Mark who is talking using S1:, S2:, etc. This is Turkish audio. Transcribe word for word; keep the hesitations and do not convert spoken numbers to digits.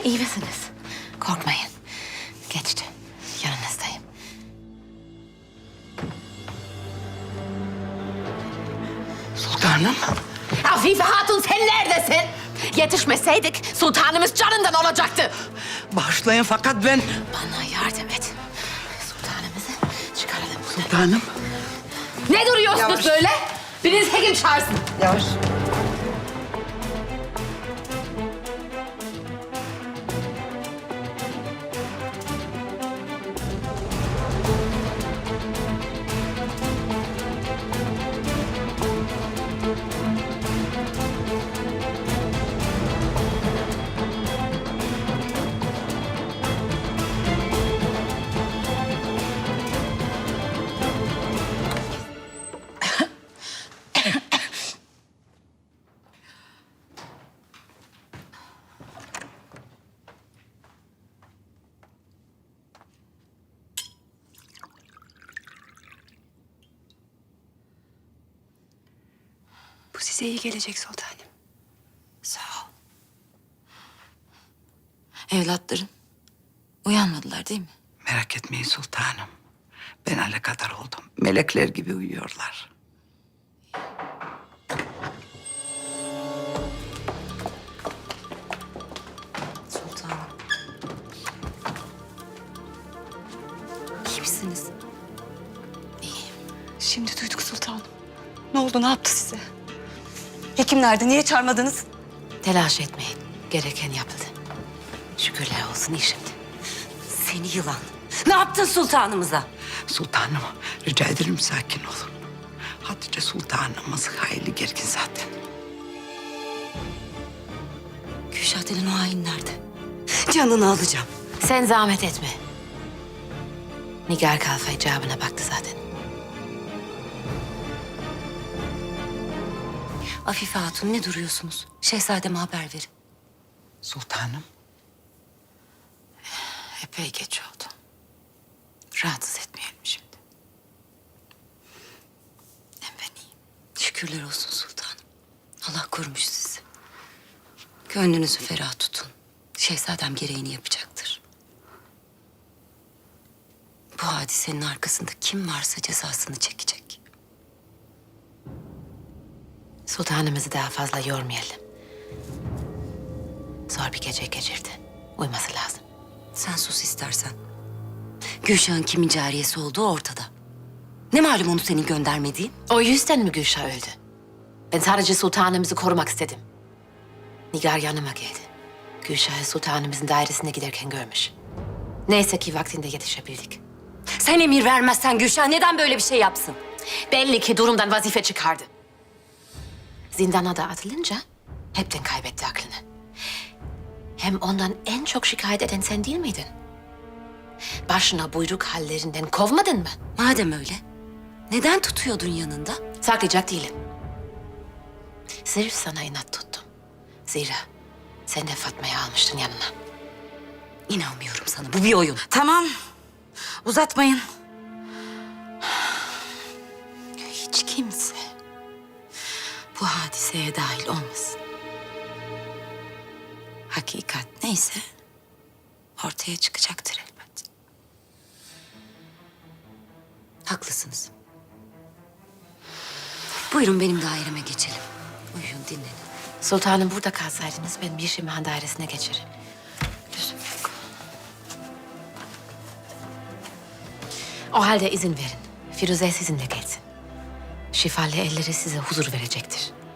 S1: iyi misiniz? Korkmayın. Geçti. Yanınızdayım.
S2: Sultanım.
S1: Afife Hatun sen neredesin? Yetişmeseydik sultanımız canından olacaktı.
S2: Bağışlayın fakat ben...
S1: Bana yardım et. Sultanımızı çıkaralım buradan.
S2: Sultanım.
S1: Ne duruyorsunuz
S2: Yavaş.
S1: böyle? Biriniz hekim çağırsın.
S2: Yavaş.
S3: Bu size iyi gelecek sultanım.
S1: Sağ ol. Evlatların uyanmadılar değil mi?
S2: Merak etmeyin sultanım. Ben alakadar oldum. Melekler gibi uyuyorlar.
S3: Sultanım. İyi misiniz?
S1: İyiyim.
S3: Şimdi duyduk sultanım. Ne oldu, ne yaptı size? Hekim nerede, niye çağırmadınız?
S1: Telaş etmeyin. Gereken yapıldı. Şükürler olsun iyi şimdi.
S3: Seni yılan. Ne yaptın sultanımıza?
S2: Sultanım, rica ederim sakin olun. Hatice sultanımız hayli gergin zaten.
S3: Gülşah denen o hain nerede? Canını alacağım.
S1: Sen zahmet etme. Nigar Kalfa icabına baktı zaten.
S3: Afife Hatun, ne duruyorsunuz? Şehzademe haber verin.
S2: Sultanım.
S1: Epey geç oldu. Rahatsız etmeyelim şimdi. Hem ben iyiyim.
S3: Şükürler olsun sultanım. Allah korumuş sizi. Gönlünüzü ferah tutun. Şehzadem gereğini yapacaktır. Bu hadisenin arkasında kim varsa cezasını çekecek.
S1: Sultanımızı daha fazla yormayalım. Zor bir gece geçirdi. Uyuması lazım.
S3: Sen sus istersen. Gülşah'ın kimin cariyesi olduğu ortada. Ne malum onu senin göndermediğin?
S1: O yüzden mi Gülşah öldü? Ben sadece sultanımızı korumak istedim. Nigar yanıma geldi. Gülşah'ı sultanımızın dairesine giderken görmüş. Neyse ki vaktinde yetişebildik.
S3: Sen emir vermezsen Gülşah neden böyle bir şey yapsın?
S1: Belli ki durumdan vazife çıkardı. Zindana da atılınca hepten kaybetti aklını. Hem ondan en çok şikayet eden sen değil miydin? Başına buyruk hallerinden kovmadın mı?
S3: Madem öyle, neden tutuyordun yanında?
S1: Saklayacak değilim. Sırf sana inat tuttum. Zira sen de Fatma'yı almıştın yanına.
S3: İnanmıyorum sana, bu bir oyun.
S4: Tamam. Uzatmayın.
S1: Hiç kimse bu hadiseye dahil olmasın. Hakikat neyse ortaya çıkacaktır elbet.
S3: Haklısınız. Buyurun benim daireme geçelim. Uyuyun, dinlenin.
S1: Sultanım burada kalsaydınız ben bir Şimhan dairesine geçerim. Lüzum yok. O halde izin verin. Firuze sizinle gelsin. Şifalı elleri size huzur verecektir.